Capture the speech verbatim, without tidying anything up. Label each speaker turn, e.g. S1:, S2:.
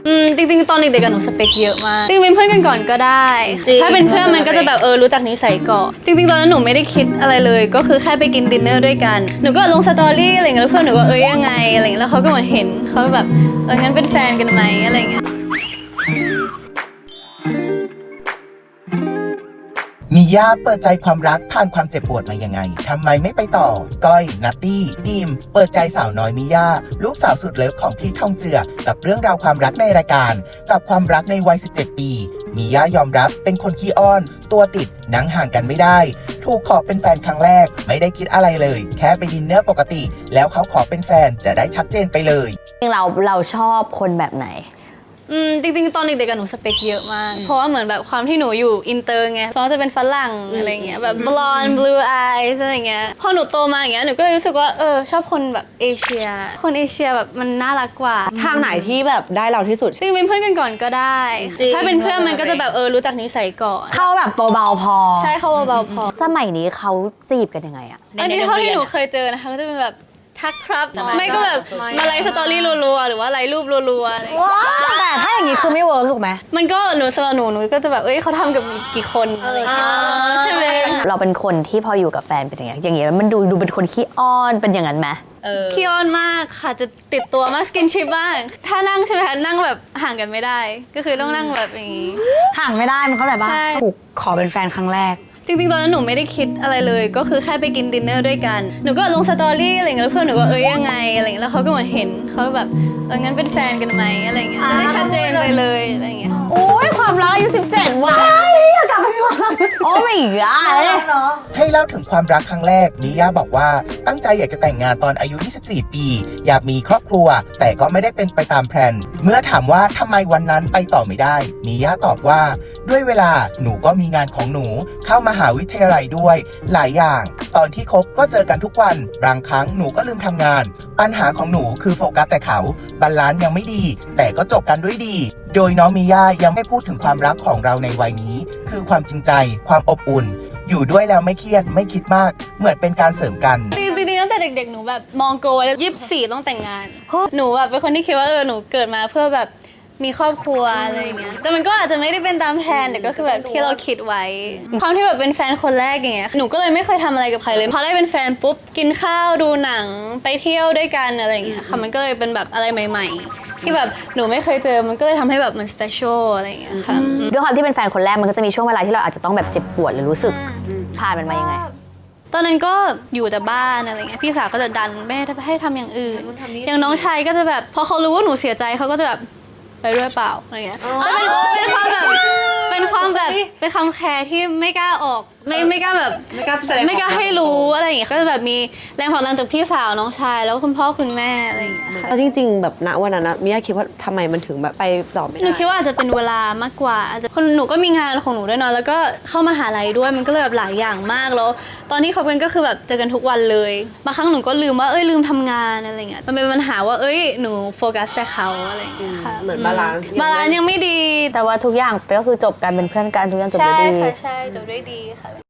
S1: อืมจริงๆตอนเด็กๆกับหนูสเปคเยอะมากจริงๆเป็นเพื่อนกันก่อนก็ได้ถ้าเป็นเพื่อนมันก็จะแบบเออรู้จักนิสัยก่อนจริงๆตอนนั้นหนูไม่ได้คิดอะไรเลยก็คือแค่ไปกินดินเนอร์ด้วยกันหนูก็ลงสตอรี่อะไรเงี้ยแล้วเพื่อนหนูก็เอ้ยยังไงอะไรเงี้ยแล้วเขาก็เหมือนเห็นเขาแบบเอองั้นเป็นแฟนกันไหมอะไรเงี้ย
S2: มีย่าเปิดใจความรักผ่านความเจ็บปวดมายังไงทำไมไม่ไปต่อก้อยนัตตี้ดีมเปิดใจสาวน้อยมิย่าลูกสาวสุดเลิฟของพี่ทองเจือกับเรื่องราวความรักในรายการกับความรักในวัยสิบเจ็ดปีมิย่ายอมรับเป็นคนขี้อ้อนตัวติดนั่งห่างกันไม่ได้ถูกขอเป็นแฟนครั้งแรกไม่ได้คิดอะไรเลยแค่ไปดินเนอร์ปกติแล้วเขาขอเป็นแฟนจะได้ชัดเจนไปเลย
S3: จริงเราเราชอบคนแบบไหน
S1: อืมจริงๆตอนเด็กๆกับหนูสเปคเยอะมากเพราะว่าเหมือนแบบความที่หนูอยู่อินเตอร์ไงเพราะจะเป็นฝรั่งอะไรเงี้ยแบบบลอนด์บลูอายส์อะไรเงี้ยพอหนูโตมาอย่างเงี้ยหนูก็เลยรู้สึกว่าเออชอบคนแบบเอเชียคนเอเชียแบบมันน่ารักกว่า
S4: ทางไหนที่แบบได้เราที่สุด
S1: จริงๆเป็นเพื่อนกันก่อนก็ได้ถ้าเป็นเพื่อนมันก็จะแบบเออรู้จักนิสัยก่อน
S3: เข้าแบบตัวเบาพอ
S1: ใช่เข้าเบาพอ
S3: สมัยนี้เขาจีบกันยังไงอะ
S1: อันนี้เท่าที่หนูเคยเจอนะคะก็จะเป็นแบบทักครับไม่ก็แบบมาไลฟ์สตอรี่รัวๆหรือว่าไลฟ์รูปรัวๆอะไร
S3: แต่ถ้าอย่างนี้คือไม่เวิร์กถูกไหม
S1: มันก็หนูสำหรับหนูหนูก็จะแบบเอ้ยเขาทำกับกี่คนอะไรอย่างเงี้ยใช่ไหม
S3: เราเป็นคนที่พออยู่กับแฟนเป็นอย่างเงี้ยอย่างเงี้ยมันดูดูเป็นคนขี้อ้อนเป็นอย่างนั้นไหม
S1: ขี้อ้อนมากค่ะจะติดตัวมากสกินชิปบ้างถ้านั่งใช่ไหมคะนั่งแบบห่างกันไม่ได้ก็คือต้องนั่งแบบอย่างงี้
S3: ห่างไม่ได้มันเข้าใจป่ะถูกขอเป็นแฟนครั้งแรก
S1: จริงๆตอนนั้นหนูไม่ได้คิดอะไรเลยก็คือแค่ไปกินดินเนอร์ด้วยกันหนูก็ลงสตอรี่อะไรเงี้ยแล้วเพื่อนหนูก็เอ้ยยังไงอะไรเงี้ยแล้วเขาก็เหมือนเห็นเขาแบบเอองั้นเป็นแฟนกันไหมอะไรเงี้ยจะได้ชัดเจนไปเลยอะไรเงี้ย
S3: โอ้ยความรักอายุสิบเจ็ดว่ะอยากกลับไปมีความรักอายุสิบเจ็ดโอ้ไม่กล้าเลย
S2: ให้เล่าถึงความรักครั้งแรกมิย่าบอกว่าตั้งใจอยากจะแต่งงานตอนอายุยี่สิบสี่ปีอยากมีครอบครัวแต่ก็ไม่ได้เป็นไปตามแผนเมื่อถามว่าทำไมวันนั้นไปต่อไม่ได้มิย่าตอบว่าด้วยเวลาหนูก็มีงานของหนูเข้ามหาวิทยาลัยด้วยหลายอย่างตอนที่คบก็เจอกันทุกวันบางครั้งหนูก็ลืมทำงานปัญหาของหนูคือโฟกัสแต่เขาบาลานซ์ยังไม่ดีแต่ก็จบกันด้วยดีโดยน้องมิย่ายังไม่พูดถึงความรักของเราในวัยนี้คือความจริงใจความอบอุ่นอยู่ด้วยแล้วไม่เครียดไม่คิดมากเหมือนเป็นการเสริมกัน
S1: จริงๆตั้งแต่เด็กๆหนูแบบมองโกไว้ยี่สิบสี่ต้องแต่งงานหนูแบบเป็นคนที่คิดว่าเออหนูเกิดมาเพื่อแบบมีครอบครัวอะไรอย่างเงี้ยแต่มันก็อาจจะไม่ได้เป็นตามแผนแต่ก็คือแบบที่เราคิดไว้ความที่แบบเป็นแฟนคนแรกอย่างเงี้ยหนูก็เลยไม่เคยทำอะไรกับใครเลยพอได้เป็นแฟนปุ๊บกินข้าวดูหนังไปเที่ยวด้วยกันอะไรอย่างเงี้ยค่ะมันก็เลยเป็นแบบอะไรใหม่ๆที่แบบหนูไม่เคยเจอมันก็เลยทำให้แบบมันสเปเชียลอะไรอย่างเงี้ยค่ะ
S3: ด้วยความที่เป็นแฟนคนแรกมันก็จะมีช่วงเวลาที่เราอาจจะต้องแบบเจ็บปวดหรือรู้สึกผ่านมันมายังไง
S1: ตอนนั้นก็อยู่แต่บ้านอะไรเงี้ยพี่สาวก็จะดันแม่ให้ทำอย่างอื่นอย่างน้องชายก็จะแบบพอเขารู้ว่าหนูเสียใจเขาก็จะแบบไปด้วยเปล่าอะไรเงี้ยเป็นความแบบเป็นความแบบเป็นคำแคร์ที่ไม่กล้าออกไม่ไม่กล้าแบบ
S4: ไม่กล้าแสดง
S1: ไม่กล้าให้รู้อะไรอย่างเงี้ยก็จะแบบมีแรงผลักดันจากพี่สาวน้องชายแล้วคุณพ่อคุณแม่อะไรอย่างเงี้ยค่ะ
S4: แล้วจริงๆแบบณวันนั้นนะมิย่าคิดว่าทำไมมันถึงแบบไปต่อไม่ได้
S1: หนูคิดว่าอาจจะเป็นเวลามากกว่าอาจจะคนหนูก็มีงานของหนูด้วยเนาะแล้วก็เข้ามหาลัยด้วยมันก็เลยแบบหลายอย่างมากแล้วตอนที่คบกันก็คือแบบเจอกันทุกวันเลยบางครั้งหนูก็ลืมว่าเอ้ยลืมทำงานอะไรเงี้ยมันเป็นปัญหาว่าเอ้ยหนูโฟกัสแต่เขาอะไรอย่างเงี้ยค่ะ
S4: เหมือนบาลานซ์
S1: บาลานซ์ยังไม่ดี
S3: แต่ว่าทุกอย่างก็คือจบกันเป็นเพื่อนกันทุกอย่างจบด้วยดี
S1: ใช่ค่ะใช่จบด้วยดีค่ะ